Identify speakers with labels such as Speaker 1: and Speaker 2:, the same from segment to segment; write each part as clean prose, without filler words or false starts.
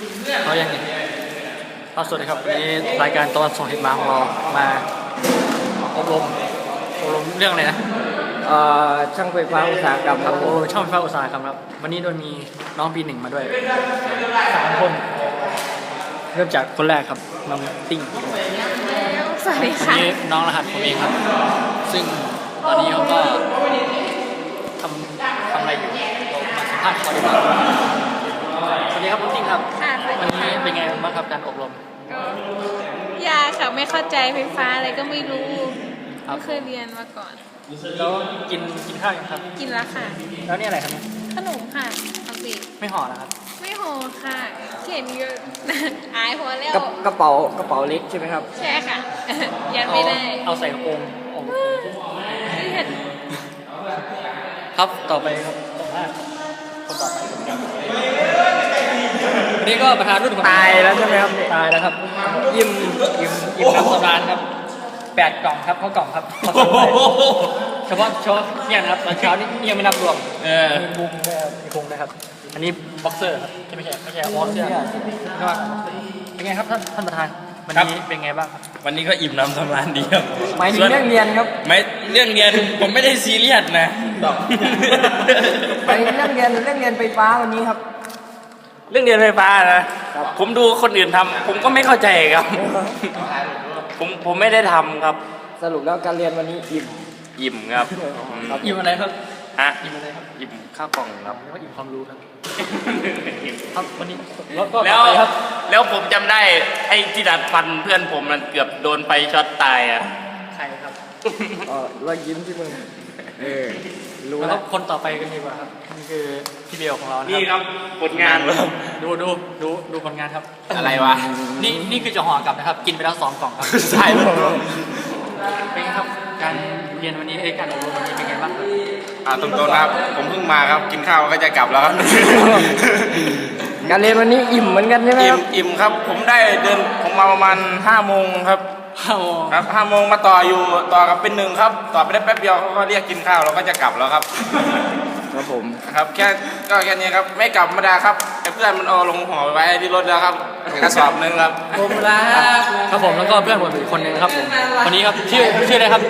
Speaker 1: เขายังไงสวัสดีครับวันนี้รายการตะวันส่งเห็ดมาของเรามาอบรมเรื่องอะไรนะ
Speaker 2: ช่างไฟฟ้าอุตสาหกรรมครับ
Speaker 1: ช่างไฟฟ้าอุตสาหกรรมครับวันนี้โดยมีน้องปี 1มาด้วย3 คนเริ่มจากคนแรกครับน้องติ้ง
Speaker 3: สวัสดีค่ะ
Speaker 1: นี่น้องรหัสผมเองครับซึ่งตอนนี้เขาก็ทำอะไรอยู่มาสัมภาษณ์เขาดีกว่าสวัสดีครับคุณติ้งครับวันนี้เป็นไงบ้างครับการอบรม
Speaker 3: ยากค่ะไม่เข้าใจไฟฟ้าอะไรก็ไม่รู้ไม่เคยเรียนมาก่อน
Speaker 1: แล้วกินข้าวยังครับ
Speaker 3: กินแล้วค่ะ
Speaker 1: แล้วนี่อะไรครับ
Speaker 3: ขนมค่ะเอาสิ
Speaker 1: ไม่ห่อแล้วครับ
Speaker 3: ไม่ห่อค่ะเขียนเยอะอายพอแล้ว
Speaker 2: กระเป๋าเล็กใช่ไหมครับ
Speaker 3: ใช่ค่ะยันไม่ได้
Speaker 1: เอาใส่กระโปรงครับต่อไปครับคนต่อไปนี่ก็ประธานรุ่น
Speaker 2: ตายแล้วใช่ไหมครับ
Speaker 1: ตายแล้วครับยิ้มน้ำสำราญครับ8 กล่องครับเข้ากล่องครับเฉพาะเนี่ยนะครับตอนเช้านี่ยังไม่นับรวมมีบุ้งมีพุงนะครับอันนี้บ็อกเซอร์ครับไม่ใช่บ็อกเซอร์เป็นไงครับท่านประธานวันนี้เป็นไงบ้าง
Speaker 4: วันนี้ก็อิ่มน้ำสำราญดีครับ
Speaker 2: หมายถึงเรื่องเรียนครับ
Speaker 4: ไม่เรื่องเรียนผมไม่ได้ซีเรียสนะ
Speaker 2: หมายถึงเรื่องเรียนไฟฟ้าวันนี้ครับ
Speaker 4: เรื่องเรียนไฟฟ้านะผมดูคนอื่นทำผมก็ไม่เข้าใจครับผมไม่ได้ทำครับ
Speaker 2: สรุปแล้วการเรียนวันนี้
Speaker 4: อิ่มครับ
Speaker 1: อิ่มอะไรครับ
Speaker 4: ฮะ
Speaker 1: อิ่มอะไรครับ
Speaker 4: อิ่มข้าวกล่องครับ
Speaker 1: แล้วก็อิ่มความรู้ครับครับวันนี้
Speaker 4: แล้วผมจำได้ไอ้ที่ดัดฟันเพื่อนผมมันเกือบโดนไฟช็อตตายอ่ะ
Speaker 1: ใครครับ
Speaker 2: รอยยิ้มที่มึง
Speaker 1: รู้แล้วคนต่อไปกันดีกว่าครับนี่คือพี่เบลของเรา
Speaker 4: นี่ครับผลงาน
Speaker 1: ดูผลงานครับ
Speaker 4: อะไรวะ
Speaker 1: นี่คือจะห่อกลับนะครับกินไปแล้ว2 กล่องครับ
Speaker 4: ใช่
Speaker 1: เป็นไงครับการเรียนวันนี้การอบรมวันนี้เป็นไงบ้าง
Speaker 4: ครับตรงๆนะครับผมเพิ่งมาครับกินข้าวก็จะกลับแล้วครับ
Speaker 2: การเรียนวันนี้อิ่มเหมือนกันใช่ไหมครับ
Speaker 4: อิ่มครับผมมาประมาณ5 โมงครับครับ5 โมงมาต่อกับเป็น1ครับต่อไปได้แป๊บเดียวเขาก็เรียกกินข้าวเราก็จะกลับแล้วครับ
Speaker 2: ครับผม
Speaker 4: ครับแค่นี้ครับไม่กลับมาดาครับไอ้เพื่อนมันเอาลงห่อไว้ที่รถแล้วครับกระสอบนึงครับ
Speaker 2: ผมรัก
Speaker 1: ครับผมแล้วก็เพื่อนผมอีกคนนึงครับผมคนนี้ครับชื่ออะไรครับ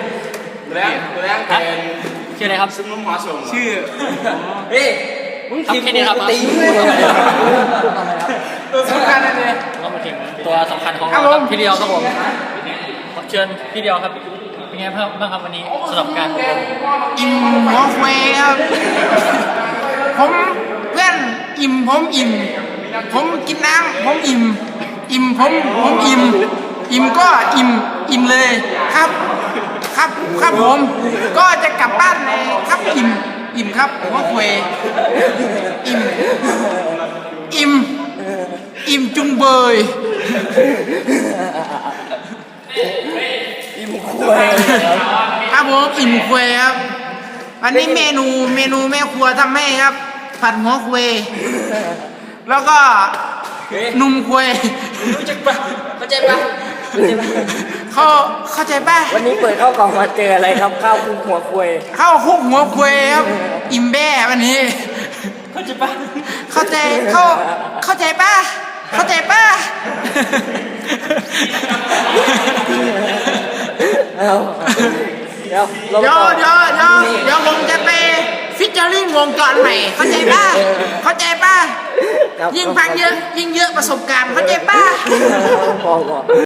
Speaker 1: ชื่ออะไรครับ
Speaker 4: ซึ่งนุ่มหัวส่ง
Speaker 2: ชื่อเฮ้ยมึงทีม
Speaker 1: นี้ครับ
Speaker 2: ตี
Speaker 1: สำคัญนั่นเองก็มาถึงตัวสำคัญของเราครับพี่เดียวครับผมเชิญพี่เดียวครับเป็นไงบ้างครับวันนี้สำหรับการ
Speaker 5: อิ่มหัวเฟยครับผมเพื่อนอิ่มผมอิ่มผมกินน้ำผมอิ่มผมอิ่มก็อิ่มเลยครับผมก็จะกลับบ้านเลยครับอิ่มครับหัวเฟยอิ่มจุงเบยครับผมอิ่มควายครับวันนี้เมนูแม่ครัวทำให้ครับผัดหัวควายแล้วก็นุ่มควาย
Speaker 2: เข้าใจปะ
Speaker 5: เข้าใจป่ะ
Speaker 2: วันนี้เปิดข้าวกล่องมาเจออะไรครับข้าวคลุกหัวควาย
Speaker 5: ข้าวคลุกหัวควายครับอิ่มแบ่วันนี้
Speaker 1: เข้าใจปะ
Speaker 5: เข้าใจป่ะ
Speaker 2: เดี๋
Speaker 5: ยวผมจะไปฟิชเจอริ่งวงจรใหม่เข้าใจป่ะยิ่งฟังเยอะยิ่งเยอะประสบการณ์เข้าใจป่ะ